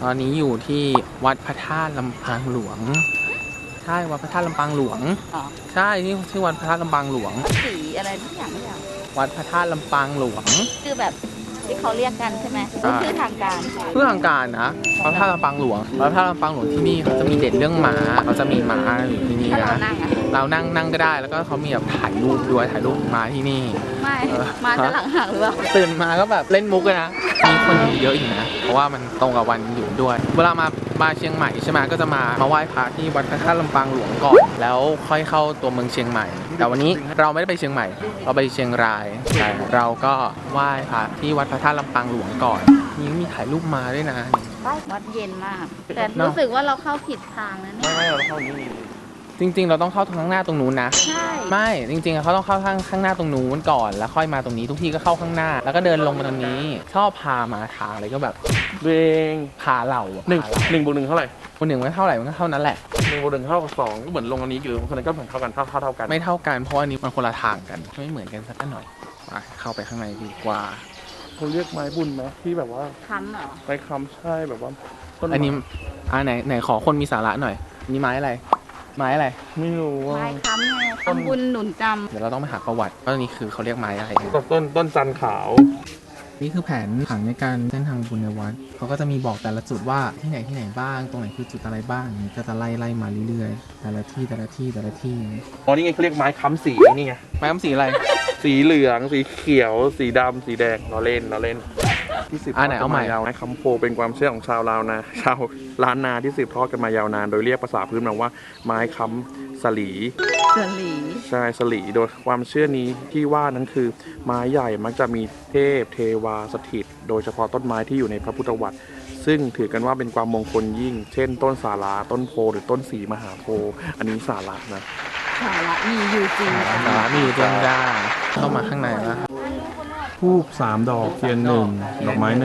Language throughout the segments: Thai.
อนนี้อยู่ที่วัดพระธาตุลำปางหลวงใช่วัดพระธาตุลำปางหลวงใช่นี่ชื่อวัดพระธาตุลำปางหลวงสีอะไรทุกอย่างไม่อย่างวัดพระธาตุลำปางหลวงคือแบบที่เขาเรียกกันใช่ไหมชื่อทางการชื่อทางการนะวัดพระธาตุลำปางหลวงวัดพระธาตุลำปางหลวงที่นี่เขาจะมีเด่นเรื่องม้าเขาจะมีม้าอยู่ที่นี่นะเรานั่งก็ได้แล้วก็เขามีแบบถ่ายรูปด้วยถ่ายรูปม้าที่นี่ไม่มาจะหลังหักหรือเปล่าตื่นมาก็แบบเล่นมุกเลยนะมีคนเยอะอยู่นะเพราะว่ามันตรงกับวันหยุดด้วยเวลามาเชียงใหม่ใช่ไหมก็จะมาไหว้พระที่วัดพระธาตุลำปางหลวงก่อนแล้วค่อยเข้าตัวเมืองเชียงใหม่แต่วันนี้เราไม่ได้ไปเชียงใหม่เราไปเชียงรายแต่เราก็ไหว้พระที่วัดพระธาตุลำปางหลวงก่อนนี่มีถ่ายรูปมาด้วยนะวัดเย็นมากแต่รู้สึกว่าเราเข้าผิดทางแล้วเนี่ยไม่เราเข้านี้จริงๆเราต้องเข้าทางข้างหน้าตรงนู้นนะใช่ไม่จริงๆเขาต้องเข้าข้างหน้าตรงนู้นก่อนแล้วค่อยมาตรงนี้ทุกทีก็เข้าข้างหน้าแล้วก็เดินลงมาตรงนี้ชอบพามาทางอะไรก็แบบเองพาเราหนึ่งบวกหนึ่งเท่าไหร่คนหนึ่งไม่เท่าไหร่มันก็เท่านั้นแหละ 1 บวก 1 เท่ากับ 2ก็เหมือนลงอันนี้หรือคนนั้นก็เหมือนเท่ากันเท่ากันไม่เท่ากันเพราะอันนี้มันคนละทางกันไม่เหมือนกันสักหน่อยเข้าไปข้างในดีกว่าเขาเรียกไม้บุญไหมที่แบบว่าค้ำเหรอไม้ค้ำใช่แบบว่าอันนี้ไหนขอคนมีสาระหน่อยนี่ไม้อะไรไม้อะไรไม่รู้ไม้ค้ำไงทำบุญหนุนจำเดี๋ยวเราต้องไปหาประวัติว่านี่คือเขาเรียกไม้อะไรต้นจันขาวนี่คือแผนผังในการเส้นทางบุญในวัดเขาก็จะมีบอกแต่ละจุดว่าที่ไหนบ้างตรงไหนคือจุดอะไรบ้างนี่ก็จะไล่มาเรื่อยๆแต่ละที่อ๋อนี่ไงเขาเรียกไม้ค้ำสีนี่ไงไม้ค้ำสีอะไรสีเหลืองสีเขียวสีดำสีแดงเราเล่นที่สืบทอดกันมายาวนานคำโพเป็นความเชื่อของชาวลาวนาชาวล้านนาที่สืบทอดกันมายาวนานโดยเรียกภาษาพื้นเมืองว่าไม้ค้ำสลีใช่สลีโดยความเชื่อนี้ที่ว่านั้นคือไม้ใหญ่มักจะมีเทพเทวาสถิตโดยเฉพาะต้นไม้ที่อยู่ในพระพุทธวัตรซึ่งถือกันว่าเป็นความมงคลยิ่งเช่นต้นสาราต้นโพหรือต้นศรีมหาโพธิ์อันนี้สาระนะสาระมีอยู่จริงสาระมีอยู่จริงได้เข้ามาข้างในแล้วธูป3 ดอกเทียน1ดอกไม้1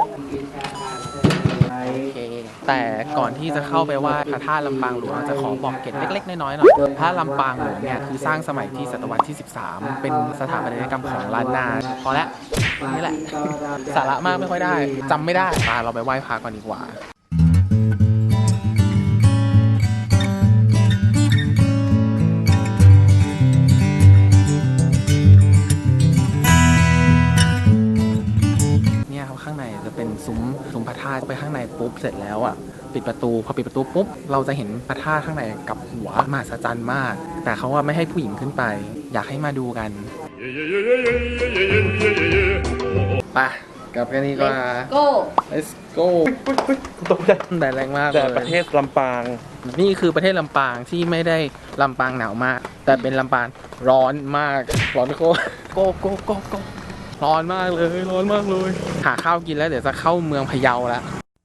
แต่ก่อนที่จะเข้าไปว่าพระธาตุลำปางหลวงจะขอบอกเกร็ดเล็กๆน้อยๆหน่อยพระลำปางหลวงเนี่ยคือสร้างสมัยที่ศตวรรษที่13เป็นสถาปัตยกรรมของล้านนาพอแล้วนี่แหละสาระมากไม่ค่อยได้จำไม่ได้เราไปไหว้พระก่อนดีกว่าข้างในจะเป็นซุ้มพระธาตุไปข้างในปุ๊บเสร็จแล้วอ่ะปิดประตูพอปิดประตูปุ๊บเราจะเห็นพระธาตุข้างในกับหัวมหัศจรรย์มากแต่เขาว่าไม่ให้ผู้หญิงขึ้นไปอยากให้มาดูกันไปกับกันนี้ก็ let's go ตกใจแต่แรงมากแต่ประเทศลำปางนี่คือประเทศลำปางที่ไม่ได้ลำปางหนาวมากแต่เป็นลำปางร้อนมากร้อนโกร้อนมากเลยหาข้าวกินแล้วเดี๋ยวจะเข้าเมืองพะเยาแล้ว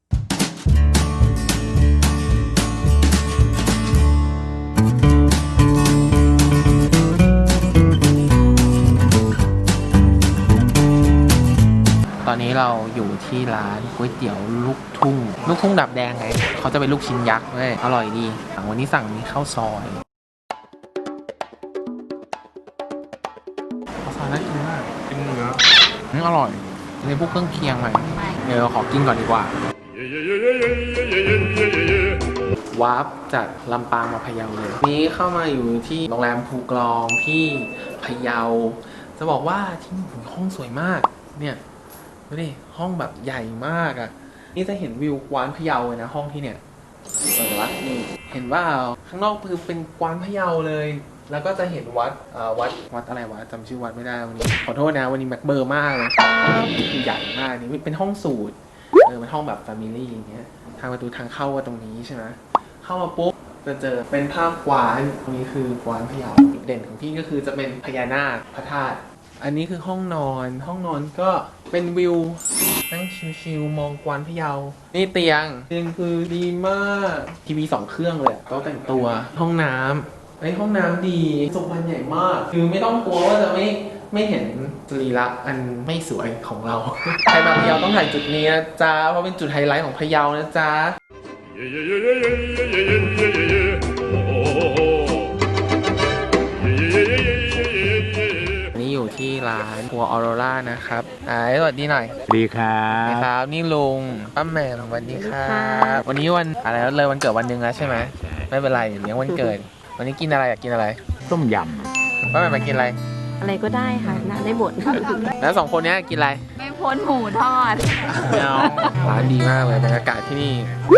ตอนนี้เราอยู่ที่ร้านก๋วยเตี๋ยวลูกทุ่งดับแดงไงเขาจะเป็นลูกชิ้นยักษ์เลยอร่อยดีวันนี้สั่งมีข้าวซอยน่ากินมากกินเนื้ออร่อยในพวกเครื่องเคียงไหมเดี๋ยวขอกินก่อนดีกว่า วาร์ปจากลำปางมาพะเยาเลยนี้เข้ามาอยู่ที่โรงแรมภูกรองที่พะเยาจะบอกว่าที่นี่ห้องสวยมากเนี่ยดูดิห้องแบบใหญ่มากอ่ะนี่จะเห็นวิวกวานพะเยาเลยนะห้องที่เนี่ยวัดนี่เห็นว่าข้างนอกคือเป็นกวานพะเยาเลยแล้วก็จะเห็นวัดอะไรวะจำชื่อวัดไม่ได้วันนี้ขอโทษนะวันนี้แม็กเบอร์มากเลยคือใหญ่มากนี่เป็นห้องสูตรเป็นห้องแบบแฟมิลี่อย่างเงี้ยทางประตูทางเข้าตรงนี้ใช่ไหมเข้ามาปุ๊บจะเจอเป็นภาพกวานตรงนี้คือกวานพะเยาเด่นของที่ก็คือจะเป็นพญานาคพระธาตุอันนี้คือห้องนอนก็เป็นวิวนั่งชิลๆมองกวานพะเยานี่เตียงคือดีมากทีวี2 เครื่องเลยโต๊ะแต่งตัวห้องน้ำห้องน้ำดีทรงมันใหญ่มากคือไม่ต้องกลัวว่าจะไม่เห็นสรีระอันไม่สวยของเราใครมาพะเยาต้องถ่ายจุดนี้นะจ๊ะเพราะเป็นจุดไฮไลท์ของพะเยานะจ๊ะนี่อยู่ที่ร้านครัวออโรรานะครับสวัสดีหน่อยดีครัครับ นี่ลุงป้าแหม่มสวัสดีครับวันนี้วันอะไรแล้วเลยวันเกิดวันหนึ่งแล้วใช่ไหมไม่เป็นไรเลี้ยงวันเกิด วันนี้กินอะไรอยากกินอะไรต้มยป้าแหม่มมากินอะไรอะไรก็ได้ค่ะน่าได้หมดแล้วสองคนเนี้ยกินอะไรไม่พ้นหมูทอดร้านดีมากเลยบรรยากาศที่นี่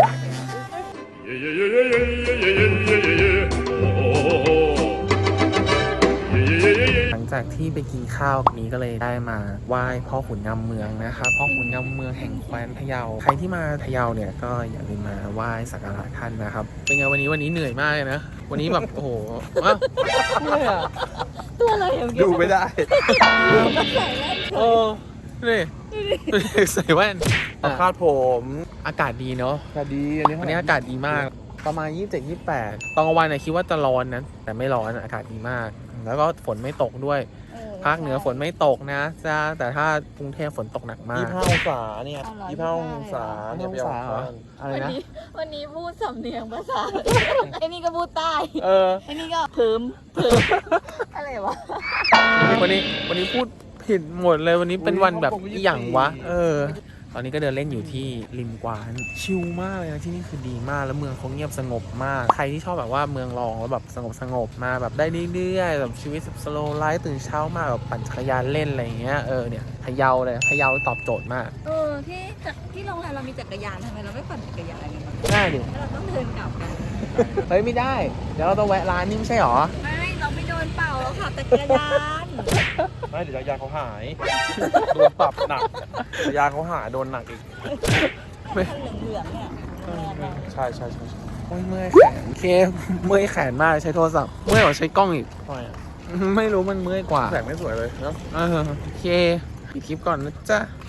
หลังจากที่ไปกินข้าวนี้ก็เลยได้มาไหว้พ่อขุนงำเมืองนะครับพ่อขุนงำเมืองแห่งแคว้นพะเยาใครที่มาพะเยาเนี่ยก็อย่าลืมมาไหว้สักการะท่านนะครับเป็นไงวันนี้เหนื่อยมากเลยนะวันนี้แบบโอ้โหอ้าวเหนื่อยอ่ะตัวอะไรอย่างำเงี้ยดูไม่ได้เออนี่ใส่แว่นเอาคาดผมอากาศดีเนาะคาดีอันนี้วันนี้อากาศดีมากประมาณ 27-28 ตอนกลางวันเนี่ยคิดว่าจะร้อนนะแต่ไม่ร้อนอากาศดีมาก แล้วก็ฝนไม่ตกด้วยภาคเหนือฝนไม่ตกนะจ้าแต่ถ้ากรุงเทพฝนตกหนักมาก 25 องศาเนี่ยเอาเหรอ 25 องศาเนี่ยไปเอา 25 เหรอ อะไรวันนะนี้วันนี้พูดสำเนียงภาษา ไอ้นี่ก็พูดใต้เออไอ้นี่ก็เพิ่มอะไรวะวันนี้พูดผิดหมดเลยวันนี้เป็นวันแบบอหย่างวะ ตอนนี้ก็เดินเล่นอยู่ที่ริมกวานชิลมากเลยนะที่นี่คือดีมากแล้วเมืองเขาเงียบสงบมากใครที่ชอบแบบว่าเมืองรองแล้วแบบสงบมาแบบได้เรื่อยๆแบบชีวิตสโลว์ไลฟ์ตื่นเช้ามาแบบปั่นจักรยานเล่นอะไรอย่างเงี้ยเนี่ยพะเยาเลยพะเยาตอบโจทย์มากที่โรงแรมเรามีจักรยานทำไมเราไม่ปั่นจักรยานกันง่ายดิแล้วเราต้องเดินกลับกันเฮ้ยไม่ได้เดี๋ยวเราต้องแวะร้านนี่ไม่ใช่หรอไม่ เราไม่โดนเป่าเราขับจักรยานไม่เดี๋ยวยาเขาหาย โดนปรับหนักยาเขาหายโดนหนักอีกคันเหลืองๆเนี่ยโรงแรมเราใช่โอ้ยเมื่อยแขนเคเมื่อยแขนมากใช้โทรศัพท์เมื่อยกว่าใช้กล้องอีกทำไมอ่ะไม่รู้มันเมื่อยกว่าแสงไม่สวยเลยเนาะโอเคปิดคลิปก่อนนะจ๊ะ